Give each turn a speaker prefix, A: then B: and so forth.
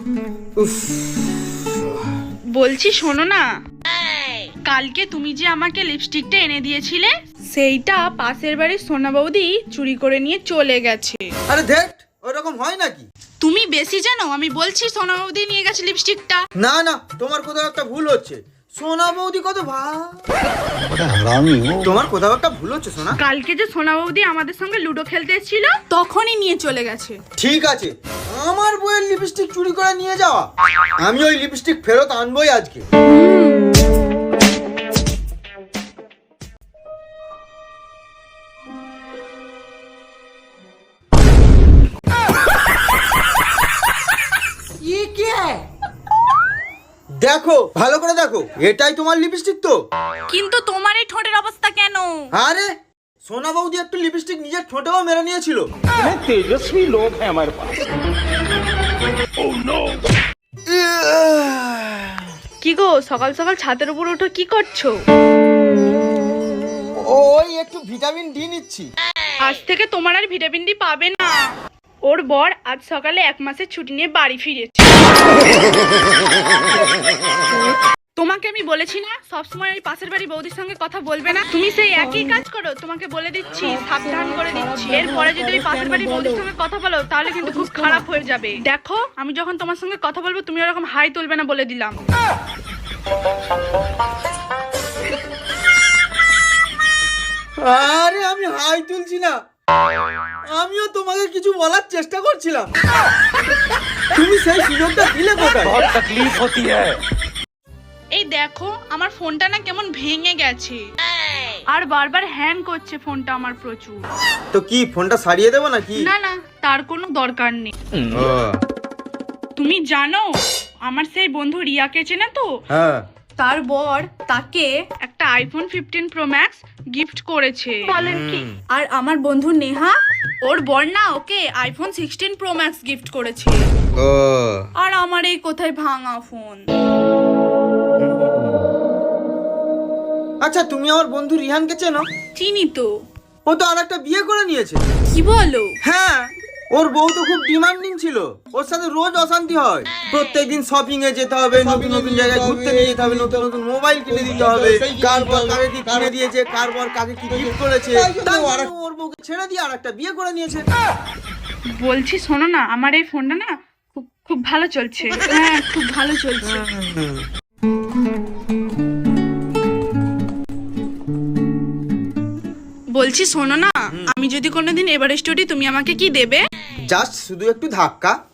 A: উফ,
B: বলছি শোনো না, কালকে তুমি যে আমাকে লিপস্টিকটা এনে দিয়েছিলে সেইটা পাশের বাড়ির সোনা বৌদি চুরি করে নিয়ে চলে গেছে।
A: আরে ধেট, ওরকম হয় নাকি?
B: তুমি বেশি জানো, আমি বলছি সোনা বৌদি নিয়ে গেছে লিপস্টিকটা।
A: না না, তোমার কোথাও একটা ভুল হচ্ছে। সোনা বৌদি কত তোমার কোথাও একটা ভুল হচ্ছে সোনা।
B: কালকে যে সোনা বৌদি আমাদের সঙ্গে লুডো খেলতে এসেছিল তখনই নিয়ে চলে গেছে।
A: ঠিক আছে, আমার বইয়ের লিপস্টিক চুরি করে নিয়ে যাওয়া, আমি ওই লিপস্টিক ফেরত আনবোই আজকে। দেখো, ভালো করে দেখো, এটাই তোমার লিপস্টিক তো?
B: কিন্তু তোমার এই ঠোঁটের অবস্থা কেন?
A: আরে সোনা বৌদি একটু লিপস্টিক নিজের ঠোঁটেও মেরে নিয়েছিল।
C: तेजस्वी लोग हैं हमारे पास।
B: কি গো, সকাল সকাল ছাদের উপর উঠো, কি করছো?
A: ওই একটু ভিটামিন ডি নিচ্ছি।
B: আজ থেকে তোমার আর ভিটামিন ডি পাবে না। ওর বর আজ সকালে 1 মাসের ছুটি নিয়ে বাড়ি ফিরেছে। তোমাকে আমি বলেছি না সবসময় ওই পাশের বাড়ি বৌদির সঙ্গে কথা বলবে না, তুমি সেই একই কাজ করো। তোমাকে বলে দিচ্ছি, সাবধান করে দিচ্ছি, এরপরে যদি ওই পাশের বাড়ি বৌদির সঙ্গে কথা বলো তাহলে কিন্তু খুব খারাপ হয়ে যাবে। দেখো, আমি যখন তোমার সঙ্গে কথা বলবো তুমি ওরকম হাই তুলবে না, বলে দিলাম।
A: আরে আমি হাই তুলছি না, আমিও তোমাকে কিছু বলার চেষ্টা করছিলাম, তুমি সেই সুযোগটা দিলে কোথায়?
C: बहुत तकलीफ होती है।
B: এই দেখো, আমার ফোনটা না কেমন ভেঙে গেছে আর বারবার হ্যাং করছে ফোনটা আমার প্রচুর।
A: তো কি ফোনটা সারিয়ে দেবো নাকি?
B: না না, তার কোনো দরকার নেই। তুমি জানো আমার সেই বন্ধু রিয়াকে চেনে তো?
A: হ্যাঁ।
B: তার বর তাকে একটা আইফোন 15 প্রো ম্যাক্স গিফট করেছে। বলেন কি? আর আমার বন্ধু নেহা, ওর বর না ওকে আইফোন 16 প্রো ম্যাক্স গিফট করেছে। আর আমার এই কোথায় ভাঙা ফোন।
A: আচ্ছা, তুমি আমার বন্ধু রিহানকে চেনো?
B: চিনি তো।
A: ও তো আরেকটা বিয়ে করে নিয়েছে।
B: কি বলো?
A: হ্যাঁ, ওর বউ তো খুব ডিমান্ডিং ছিল, ওর সাথে রোজ অশান্তি হয়। প্রত্যেকদিন শপিং এ যেতে হবে, নতুন নতুন জায়গায় ঘুরতে নিয়ে যেতে হবে, নতুন নতুন মোবাইল কিনে দিতে হবে, কার বর কাকে কি কিনে দিয়েছে, কার বর কাকে কি গিফট করেছে, তাই ওর বউকে ছেড়ে দিয়ে আরেকটা বিয়ে করে নিয়েছে।
B: বলছি শোনো না, আমার এই ফোনটা না খুব খুব ভালো চলছে। হ্যাঁ, খুব ভালো চলছে। বলছি শোনো না, আমি যদি কোনোদিন এভারেস্ট উঠি তুমি আমাকে কি দেবে?
A: জাস্ট শুধু একটু ধাক্কা।